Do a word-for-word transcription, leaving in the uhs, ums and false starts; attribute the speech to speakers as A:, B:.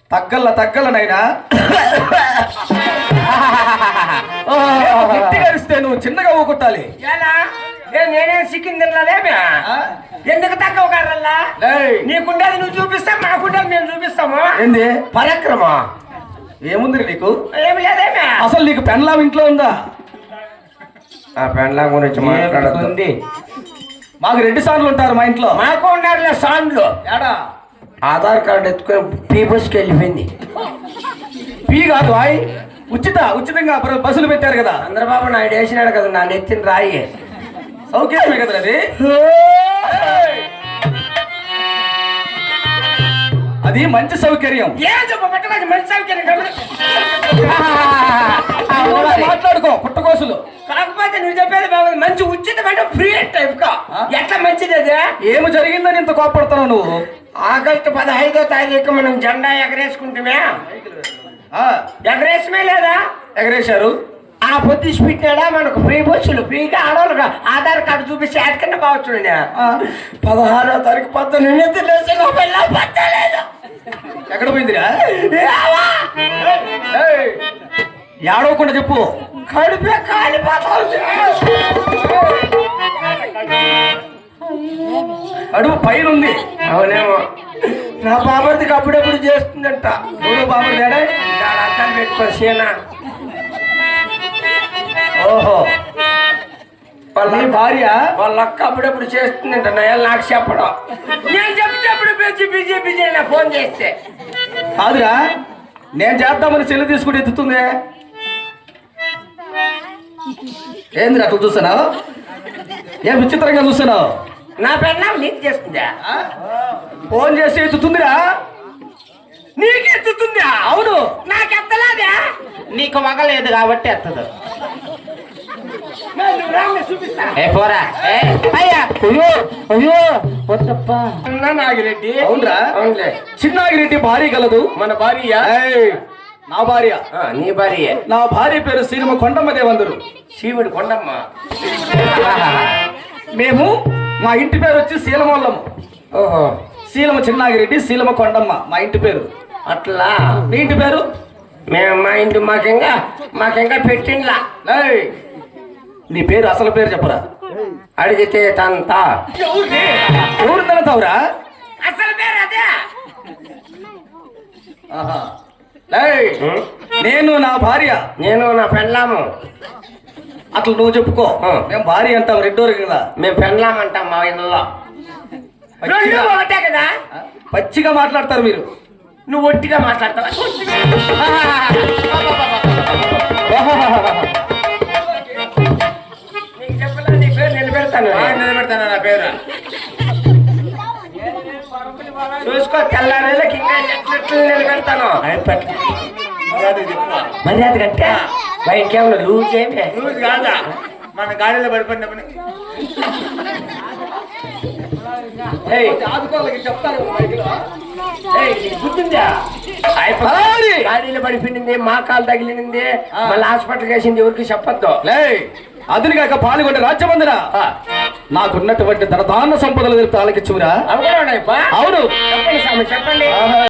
A: తగ్గల్ల తగ్గల నైనా గడిస్తే నువ్వు చిన్నగా ఊకొట్టాలి.
B: ఎలా నేనేం సిక్కింది తినలేమే ఎందుకు తక్కువ కారల్లా నీకుండేది నువ్వు చూపిస్తా మాకుండేది మేము చూపిస్తాము.
A: ఏంది
B: పరాక్రమం
A: ఏముంది నీకు?
B: ఏమి లేదేమే.
A: అసలు నీకు పెన్లాం ఇంట్లో ఉందా?
B: ఆ పెన్లాం గురించి మాట్లాడుతుంది.
A: మాకు రెండు సార్లు ఉంటారు మా ఇంట్లో.
B: మాకు ఉన్నారు సార్లు.
A: ఏడా
B: ఆధార్ కార్డు ఎత్తుకొని పీ బస్కి వెళ్ళిపోయింది.
A: పీ కాదు ఆయ్, ఉచిత ఉచితంగా బస్సులు పెట్టారు కదా.
B: చంద్రబాబు నాయుడు వేసినాడు కదా నా నెత్తిన రాయి.
A: సౌకర్యమే కదా అది. అది మంచి సౌకర్యం.
B: మంచి సౌకర్యం
A: మాట్లాడుకో పుట్టకోసులు.
B: కాకపోతే నువ్వు చెప్పేది బాగుంది. మంచి ఉచితమైన ఫ్రీ టైప్ కా ఎట్లా మంచిది అది?
A: ఏమి జరిగిందని ఇంత కోపడుతున్నావు నువ్వు?
B: ఆగస్టు పదహైదో తారీఖు మనం జెండా ఎగరేసుకుంటుమే. ఎగరేసమే లేదా?
A: ఎగరేశారు.
B: ఆ పొద్దు పెట్టాడా మనకు ఫ్రీ బస్సులు ఫ్రీగా ఆడవాళ్ళుగా ఆధార్ కార్డు చూపిస్తే ఎక్కడన్నా బావచ్చు. పదహారో తారీఖు పద్దెనిమిది పట్టలేదు.
A: ఎక్కడ పోయిందిరా? ఏడవకుండా చెప్పు.
B: కడిపే కాలిపోతా
A: అడుగు పైన ఉంది.
B: అవునేమో. నా బాబర్దికి అప్పుడప్పుడు చేస్తుందంట.
A: ఎవరు బాబర్ తేడా?
B: అర్థం పెట్టుకో సీనా.
A: ఓహో వాళ్ళ భార్య
B: వాళ్ళ అక్క అప్పుడప్పుడు చేస్తుందంట. నయాలు నాకు చెప్పడం. నేను చెప్తేప్పుడు బిజీ బిజీ బిజీ నా ఫోన్ చేస్తే.
A: కాదురా, నేను చేద్దామని చెల్లి తీసుకుని ఎత్తుతుంది. ఏంది అట్లా చూస్తున్నావు? ఏం విచిత్రంగా చూస్తున్నావు?
B: నా పెన్నా నీకు చేస్తుందా?
A: ఫోన్ చేసి ఎత్తుతుందిరా.
B: నీకు ఎత్తుతుందా?
A: అవును.
B: నాకు ఎత్తలేదా? నీకు మగలేదు కాబట్టి ఎత్తదు. నాగిరెడ్డి.
A: అవునరా?
B: అవునులే.
A: చిన్నాగిరెడ్డి భార్య కలదు.
B: మన భార్య
A: నా భార్య.
B: నీ భార్య.
A: నా భార్య పేరు శ్రీమ కొండమ్మ దేవందరు.
B: శివుడు కొండమ్మ.
A: మేము మా ఇంటి పేరు వచ్చి శీలమల్లము.
B: ఓహో.
A: శీలమ చిన్నాగిరెడ్డి, శీలమ కొండమ్మ మా ఇంటి పేరు.
B: అట్లా
A: మీ ఇంటి పేరు?
B: మేము మా ఇంటి మాకింకా మాకింకా పెట్టిండ్లా.
A: నీ పేరు అసలు పేరు చెప్పరా?
B: అడిగితే తంత.
A: ఎవరు తనతావురా?
B: అసలు పేరు అదే.
A: నేను నా భార్య.
B: నేను నా పెళ్ళాము.
A: అట్లా నువ్వు చెప్పుకో. మేము భార్య అంటాం రెండోరు కదా.
B: మేము పెళ్ళాం అంటాం మా ఇళ్ళలో. ఒకటే కదా.
A: పచ్చిగా మాట్లాడతారు మీరు.
B: నువ్వు ఒట్టిగా మాట్లాడతావా? నీకు చెప్పలే నీ పేరు నిలబెడతాను. నిలబెడతాను నా పేరు. చూసుకో తెల్లారేళ్ళకి ఇంకా ఎట్లెట్లు నిలబెడతాను. మర్యాద కంటే బయటకేమన్నా లూజ్ ఏమి?
C: లూజ్ కాదా? మన గాడిలో పడిపోయినప్పుడు
B: గాడిలో పడిపోయింది, మా కాలు తగిలింది, మళ్ళీ హాస్పిటల్ వేసింది. ఎవరికి చెప్పొద్దు.
A: అదిని కాక పాల్గొంటే రాజ్యమందిరా నాకున్నటువంటి ధనధాన సంపదలు తెలుపుతూ ఆలకిచ్చురా.
B: అవును
A: అవును
B: చెప్పండి స్వామి చెప్పండి.